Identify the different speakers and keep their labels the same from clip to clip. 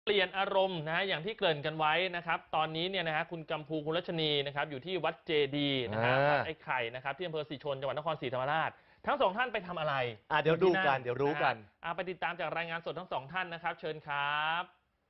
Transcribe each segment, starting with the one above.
Speaker 1: เปลี่ยนอารมณ์นะฮะอย่างที่เกริ่นกันไว้นะครับตอนนี้เนี่ยนะฮะคุณกัมพูคุณรัชนีนะครับอยู่ที่วัดเจดีย์นะครับวัดไอ้ไข่นะครับที่อำเภอศรีชนจังหวัดนครศรีธรรมราชทั้งสองท่านไปทำอะไร
Speaker 2: เดี๋ยวดูกันเดี๋ยวรู้กัน
Speaker 1: ไปติดตามจากรายงานสดทั้งสองท่านนะครับเชิญครับ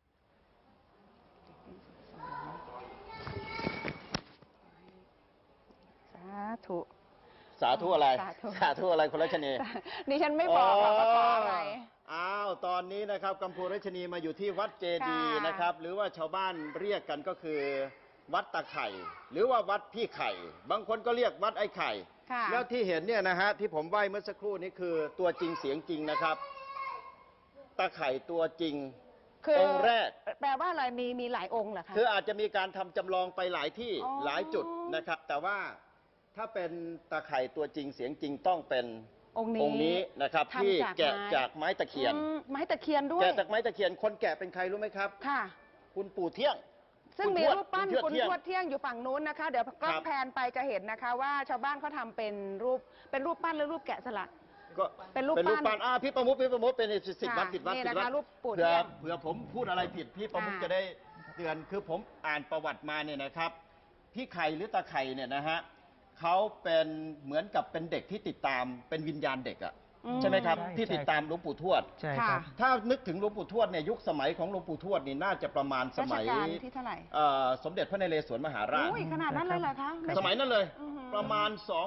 Speaker 3: สาธุ
Speaker 2: สาธุอะไรสาธุอะไรคุณรัชนี
Speaker 3: ดิฉันไม่บอกหรอกว่าขออะไร
Speaker 2: ตอนนี้นะครับกัมพูรัชนีมาอยู่ที่วัดเจดีย์นะครับหรือว่าชาวบ้านเรียกกันก็คือวัดตะไข่หรือว่าวัดพี่ไข่บางคนก็เรียกวัดไอ้ไข่แล้วที่เห็นเนี่ยนะฮะที่ผมไหว้เมื่อสักครู่นี้คือตัวจริงเสียงจริงนะครับตะไข่ตัวจริงองค์แรก
Speaker 3: แปลว่าอะไรมีหลายองค์เหรอคะ
Speaker 2: คืออาจจะมีการทำจำลองไปหลายที่หลายจุดนะครับแต่ว่าถ้าเป็นตะไคร่ตัวจริงเสียงจริงต้องเป็นองค์นี้นะครับที่แกะจากไม้ตะเคียน
Speaker 3: ไม้ตะเคียนด้วย
Speaker 2: แกะจากไม้ตะเคียนคนแกะเป็นใครรู้ไหมครับ
Speaker 3: ค่ะ
Speaker 2: คุณปู่เที่ยง
Speaker 3: ซึ่งมีรูปปั้นคุณทวดเที่ยงอยู่ฝั่งนู้นนะคะเดี๋ยวก็แพนไปจะเห็นนะคะว่าชาวบ้านเขาทำเป็นรูปปั้นหรือรูปแกะสลัก
Speaker 2: ก็เป็นรูปปั้นพี่ประมุขเป็นสิทธิ์วัด
Speaker 3: นี่นะคะรูปปู่
Speaker 2: เผื่อผมพูดอะไรผิดพี่ประมุขจะได้เตือนคือผมอ่านประวัติมาเนี่ยนะครับพี่ไข่หรือตาไข่เนี่ยนะฮะเขาเป็นเหมือนกับเป็นเด็กที่ติดตามเป็นวิญญาณเด็กอะใช่ไหมครับที่ติดตามหลวงปู่ทวด
Speaker 1: ใช่ครับ
Speaker 2: ถ้านึกถึงหลวงปู่ทวดเนี่ยยุคสมัยของหลวงปู่ทวดนี่น่าจะประมาณสมัย
Speaker 3: ที่เท่าไหร่
Speaker 2: สมเด็จพระนเรศวรมหาราช
Speaker 3: ขนาดนั้นเลยเหรอคะ
Speaker 2: สมัยนั้นเลยประมาณ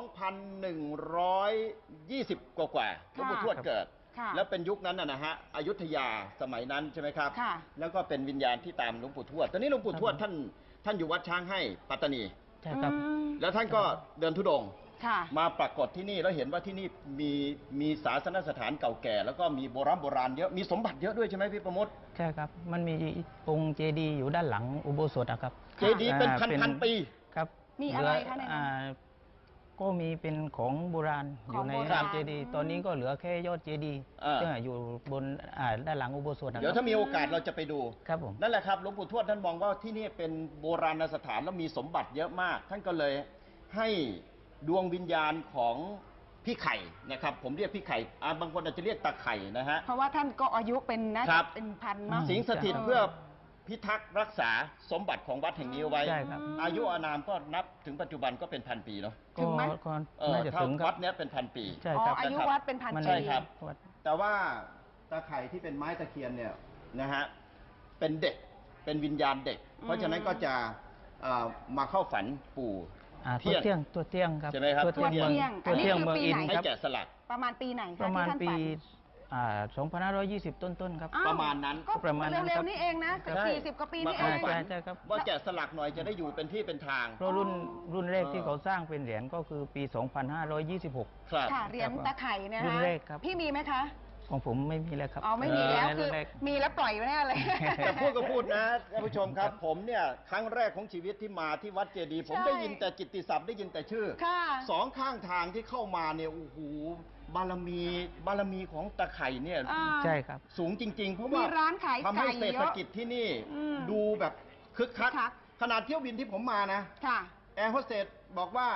Speaker 2: 2,120 กว่าหลวงปู่ทวดเกิดแล้วเป็นยุคนั้นนะฮะอยุธยาสมัยนั้นใช่ไหมครับแล้วก็เป็นวิญญาณที่ตามหลวงปู่ทวดตอนนี้หลวงปู่ทวดท่านอยู่วัดช้างให้ปัตตานี
Speaker 1: ใช่ครับ
Speaker 2: แล้วท่านก็เดินธุดงค์มาปรากฏที่นี่แล้วเห็นว่าที่นี่มีศาสนสถานเก่าแก่แล้วก็มีโบราณเยอะมีสมบัติเยอะด้วยใช่ไหมพี่ประมด
Speaker 4: ใช่ครับมันมีองค์เจดีย์อยู่ด้านหลังอุโบสถครับ
Speaker 2: เจดีย์เป็นพันปี
Speaker 4: ครับ
Speaker 3: มีอะไรคะใน
Speaker 4: ก็มีเป็นของโบราณอยู่ในเจดีย์ตอนนี้ก็เหลือแค่ยอดเจดีย์ที่อยู่บนด้านหลังอุโบสถ
Speaker 2: เดี๋ยวถ้ามีโอกาสเราจะไปดู
Speaker 4: ครับผม
Speaker 2: นั่นแหละครับหลวงปู่ทวดท่านมองว่าที่นี่เป็นโบราณสถานแล้วมีสมบัติเยอะมากท่านก็เลยให้ดวงวิญญาณของพี่ไข่นะครับผมเรียกพี่ไข่บางคนอาจจะเรียกตาไข่นะฮะ
Speaker 3: เพราะว่าท่านก็อายุเป็นนะเป็นพันมาก
Speaker 2: สิงสถิตเพื่อพิทักษ์รักษาสมบัติของวัดแห่งนี้ไว้อายุอานามก็นับถึงปัจจุบันก็เป็นพันปีเนาะ
Speaker 3: ถึงไหม
Speaker 2: ถ้าวัดนี้เป็นพันปี
Speaker 4: ใช่ครับ
Speaker 3: อายุวัดเป็นพันปี
Speaker 2: ใช่ครับแต่ว่าตาไข่ที่เป็นไม้ตะเคียนเนี่ยนะฮะเป็นเด็กเป็นวิญญาณเด็กเพราะฉะนั้นก็จะมาเข้าฝันปู่
Speaker 4: ตัวเที่ยงครับ
Speaker 2: ใช่ไหมครับ
Speaker 3: ตัวเที่ยง
Speaker 4: เมืองอิน
Speaker 2: ให้แกะสลัก
Speaker 3: ประมาณปีไหน
Speaker 4: ประมาณปี2520 ต้นๆครับ
Speaker 2: ประมาณนั้น
Speaker 3: ก็ประมาณเร็วๆนี่เองนะ40 กว่าปีนี่เอง
Speaker 4: ใช่ครับ
Speaker 2: ว่าแกะสลักหน่อยจะได้อยู่เป็นที่เป็นทาง
Speaker 4: เพราะรุ่นแรกที่เขาสร้างเป็นเหรียญก็คือปี2526
Speaker 3: ค่ะเหรียญตะไคร่นะฮะพี่มีไหมคะ
Speaker 4: ของผมไม่มีแล้วครับ
Speaker 3: ไม่มีแล้วคือมีแล้วปล่อยไว้แน่เลย
Speaker 2: แต่พูดก็พูดนะท่านผู้ชมครับผมเนี่ยครั้งแรกของชีวิตที่มาที่วัดเจดีย์ผมได้ยินแต่กิตติศัพท์ได้ยินแต่ชื่อสองข้างทางที่เข้ามาเนี่ยโอ้โหบารมีของตะไคร่เนี่ย
Speaker 4: ใช่ครับ
Speaker 2: สูงจริงๆเพราะว่าทำให้เศรษฐกิจที่นี่ดูแบบคึกคักขนาดเที่ยวบินที่ผมมานะแอร์โฮสเตสบอกว่า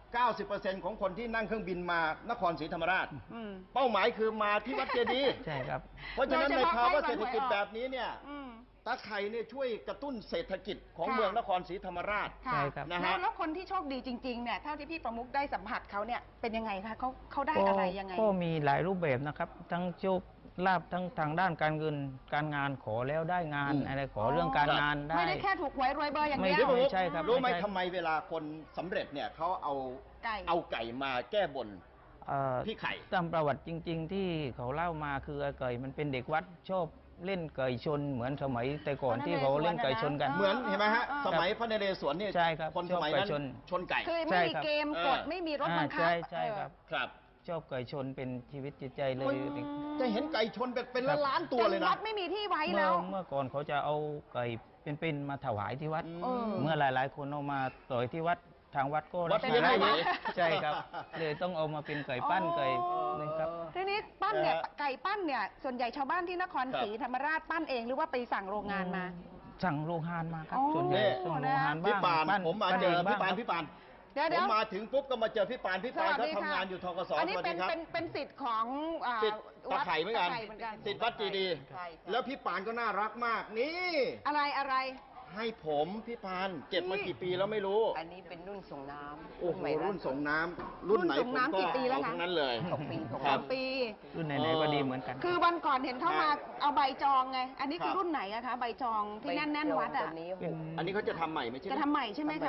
Speaker 2: 90% ของคนที่นั่งเครื่องบินมานครศรีธรรมราชเป้าหมายคือมาที่วัดเจดีย์
Speaker 4: ใช่ครับ
Speaker 2: เพราะฉะนั้นในภาวะเศรษฐกิจแบบนี้เนี่ยตาไข่เนี่ยช่วยกระตุ้นเศรษฐกิจของเมืองนครศรีธรรมราช
Speaker 3: ใช่ครับนะฮะแล้วคนที่โชคดีจริงๆเนี่ยเท่าที่พี่ประมุขได้สัมผัสเขาเนี่ยเป็นยังไงคะเขาได้อะไรยังไง
Speaker 4: ก็มีหลายรูปแบบนะครับทั้งโชคลาภทั้งทางด้านการเงินการงานขอแล้วได้งานอะไรขอเรื่องการงานได้
Speaker 3: ไม่ได้แค่ถูกหวยรวยเบอร์อย่างเดียว
Speaker 4: ไม่ใช่ครับ
Speaker 2: รู้ไหมทำไมเวลาคนสำเร็จเนี่ยเขาเอาไก่มาแก้บนพี่ไข่
Speaker 4: ตามประวัติจริงๆที่เขาเล่ามาคือไก่มันเป็นเด็กวัดชอบเล่นไก่ชนเหมือนสมัยแต่ก่อนที่เขาเล่นไก่ชนกัน
Speaker 2: เหมือนเห็นไหมฮะสมัยพระนเรศวรนี่
Speaker 4: ใช่ครับ
Speaker 2: คนสมัยนั้นชนไก่
Speaker 3: คือไม่มีเกมกดไม่มีรถบังคับ
Speaker 4: ใช่ครับชอบไก่ชนเป็นชีวิตจิตใจเลย
Speaker 2: จะเห็นไก่ชนเป็นล้านตัวเลยนะ
Speaker 3: วัดไม่มีที่ไว้แล้ว
Speaker 4: เมื่อก่อนเขาจะเอาไก่เป็นมาถวายที่วัดเมื่อหลายๆคนเอามาต่อยที่วัดทางวัดก็
Speaker 2: รับไม่ได้
Speaker 4: ใช่ครับเลยต้องเอามาเป็นไก่ปั้นไก่
Speaker 3: นะครับทีนี้ปั้นเนี่ยไก่ปั้นเนี่ยส่วนใหญ่ชาวบ้านที่นครศรีธรรมราชปั้นเองหรือว่าไปสั่งโรงงานมา
Speaker 4: สั่งโรงงานมาครับส่วนใหญ่สั่งโรงงาน
Speaker 2: บ้างผมมาเจอพี่ปานผมมาถึงปุ๊บก็มาเจอพี่ปานเขาทำงานอยู่ธกส
Speaker 3: อันนี้เป็นสิทธิ์ของ
Speaker 2: ตะไคร่เหมือนกัน
Speaker 3: ตะไคร่เหมือนกัน
Speaker 2: สิทธิ์วัดเจดีย์
Speaker 5: ใช่
Speaker 2: แล้วพี่ปานก็น่ารักมาก นี่
Speaker 3: อะไร
Speaker 2: ให้ผมพี่ปานเก็บมากี่ปีแล้วไม่รู้
Speaker 5: อันนี้เป็นรุ่นส่งน้ำ
Speaker 2: โอ้โห
Speaker 5: ใหม่ล่า
Speaker 2: รุ่น
Speaker 5: สุด
Speaker 2: ส่งน้ำรุ่นไหน
Speaker 3: รุ่นส่ง
Speaker 2: ผม
Speaker 3: น้ำ
Speaker 2: ก็
Speaker 3: กี่ปีแล้ว
Speaker 2: เอา
Speaker 3: คะ
Speaker 2: ทั้งนั้นเลย
Speaker 5: 2 ปี
Speaker 2: ค
Speaker 3: ส
Speaker 2: รั
Speaker 3: อบ งปี
Speaker 4: รุ่นไหนๆก็ดีเหมือนกัน
Speaker 3: คือวันก่อนเห็นเข้ามาเอาใบจองไง อันนี้คื
Speaker 2: ค
Speaker 3: อ
Speaker 2: รับ
Speaker 3: รุ่นไหนอะคะ ใบจองที่แน่นๆวัดอะ
Speaker 5: ตัวนี้
Speaker 4: เป็น
Speaker 2: อันนี้เขาจะทำใหม่ไม่ใช่
Speaker 3: จะทำใหม่ใช่ไหมคะ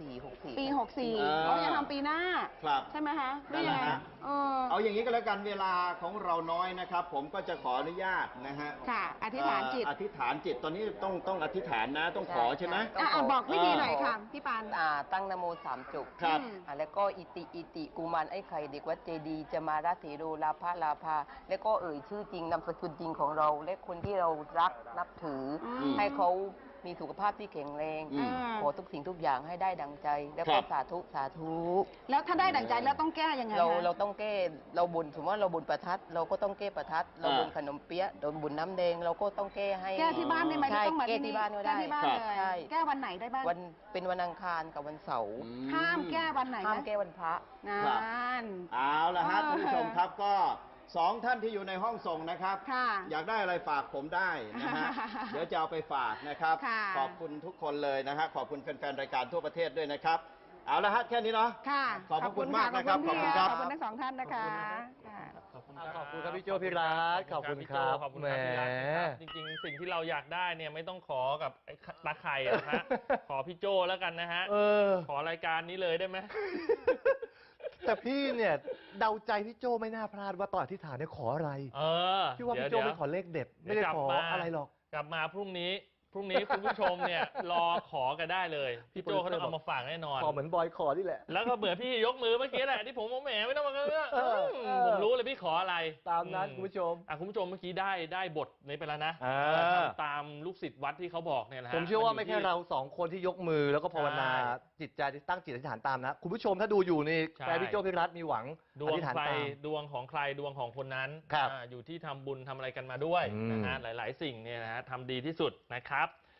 Speaker 5: 64
Speaker 3: ปี 64
Speaker 2: อ่า
Speaker 3: เขาจะทำปีหน้า
Speaker 2: ครับ
Speaker 3: ใช่ไหมคะหรื
Speaker 2: นั่
Speaker 3: อน
Speaker 2: แห
Speaker 3: ยัง
Speaker 2: ละ
Speaker 3: ไง
Speaker 2: ฮะ
Speaker 3: เออ
Speaker 2: เอาอย่างนี้ก็แล้วกันเวลาของเราน้อยนะครับ ผมก็จะขออนุญาตนะฮะ
Speaker 3: ค่ะ อธิษฐานจิต
Speaker 2: อธิษฐานจิตตอนนี้ต้องอธิษฐานนะต้องขอใช่ไหม
Speaker 3: บอกวิธีหน่อยค่ะ พี่ปาน
Speaker 5: ตั้งนะโม3 จบ
Speaker 2: ครับ
Speaker 5: แล้วก็อิติกุมารไอ้ไข่เด็กวัดเจดีย์จะมาราศีโรลาภลาภาแล้วก็เอ่ยชื่อจริงนามสกุลจริงของเรา และคนที่เรารักนับถืออ
Speaker 3: ม
Speaker 5: ให้เขามีสุขภาพที่แข็งแรง
Speaker 2: อืม
Speaker 5: ขอทุกสิ่งทุกอย่างให้ได้ดังใจ แล้ว
Speaker 2: ครั
Speaker 5: ก็
Speaker 2: บ
Speaker 5: สาธุสาธุ
Speaker 3: แล้วถ้าได้ดั่งใจแล้วต้องแก้ยังไง
Speaker 5: เรา
Speaker 3: คะ
Speaker 5: เราต้องแก้เราบุญสมมติว่าเราบุญประทัด เราก็ต้องแก้ประทัด เราบุญขนมเปี๊ยะเราบุญน้ำแดงเราก็ต้องแก้ให้
Speaker 3: แก้ที่บ้านได้ไหม
Speaker 5: ใช่
Speaker 3: ไม่ต้องมา
Speaker 5: แก้ที่บ้านก็ได้
Speaker 3: แก้ที่บ้าน
Speaker 2: ครับ
Speaker 3: เลย
Speaker 5: ใช่
Speaker 3: แก้วันไหนได้บ้าง
Speaker 5: วันเป็นวันอังคารกับวันเสาร์
Speaker 3: ห้ามแก้วันไหน
Speaker 5: ห้าม
Speaker 3: นะ
Speaker 5: แก้วันพระ
Speaker 3: ง
Speaker 2: ครับ
Speaker 3: าน
Speaker 2: เอาละฮะท่านผู้ชมครับก็สองท่านที่อยู่ในห้องส่งนะครับ
Speaker 3: ค่ะ
Speaker 2: อยากได้อะไรฝากผมได้นะ ฮะ เดี๋ยวจะเอาไปฝากนะครับ
Speaker 3: ค่ะ
Speaker 2: ขอบคุณทุกคนเลยนะฮะขอบคุณแฟนๆรายการทั่วประเทศด้วยนะครับ เอาละฮะแค่นี้เนาะ
Speaker 3: ค่ะ
Speaker 2: ขอบพระคุณมากนะครับ
Speaker 3: ขอบคุณ
Speaker 2: ขอบคุณครับ
Speaker 3: ขอบคุณทั้งสองท่านนะคะค่ะ
Speaker 1: ขอบคุณ
Speaker 6: ขอบคุณครับพี่โจ้พี่รัฐขอบคุณครับ
Speaker 1: ขอบคุณครับพี่รัฐ
Speaker 6: แหม
Speaker 1: นะครับจริงๆ สิ่งที่เราอยากได้เนี่ยไม่ต้องขอกับไอ้ตาไข่อะนะฮะ ขอพี่โจแล้วกันนะฮะ
Speaker 6: เออ
Speaker 1: ขอรายการนี้เลยได้ไหม
Speaker 6: แต่พี่เนี่ยเดาใจพี่โจ้ไม่น่าพลาดว่าตอนอธิษฐานเนี่ยขออะไร
Speaker 1: เออ
Speaker 6: พี่ว่าพี่โจ้ไม่ขอเลขเด็ด ไม่ได้ขออะไรหรอก
Speaker 1: กลับมาพรุ่งนี้คุณผู้ชมเนี่ย รอขอกันได้เลย พี่โจเขาต้องเอามาฝากแน่นอน
Speaker 6: ขอเหมือนบอยขอนี่แหละ
Speaker 1: แล้วก็เบื่อพี่ยกมือเมื่อกี้แหละที่ผมบอกแหมไม่ต้องมาเรื่อง
Speaker 6: เออ
Speaker 1: ผมรู้เลยพี่ขออะไร
Speaker 6: ตามนั้นคุณผู้ชม
Speaker 1: คุณผู้ชมเมื่อกี้ได้บทนี้ไปแล้วนะ
Speaker 6: อ่า
Speaker 1: ทำตามลูกศิษย์วัดที่เขาบอกเนี่ยนะฮะ
Speaker 6: ผมเชื่อว่าไม่แค่เราสองคนที่ยกมือแล้วก็ภาวนา
Speaker 1: ใช่
Speaker 6: จิตใจที่ตั้งจิตอธิษฐานตามนะ คุณผู้ชมถ้าดูอยู่นี่
Speaker 1: ใช่
Speaker 6: แฟนพี่โจ้พี่รัฐมีหวัง
Speaker 1: ด
Speaker 6: อ
Speaker 1: วง
Speaker 6: ธิษฐาน
Speaker 1: ใคร
Speaker 6: ตาม
Speaker 1: ดวงของใครดวงของคนนั้น
Speaker 6: ครับ
Speaker 1: อยู่ที่ทำบุญทำอะไรกันมาด้วย
Speaker 6: อืม
Speaker 1: นะฮะหลาย ๆ สิ่งเนี่ยนะฮะทำดีที่สุดนะครับ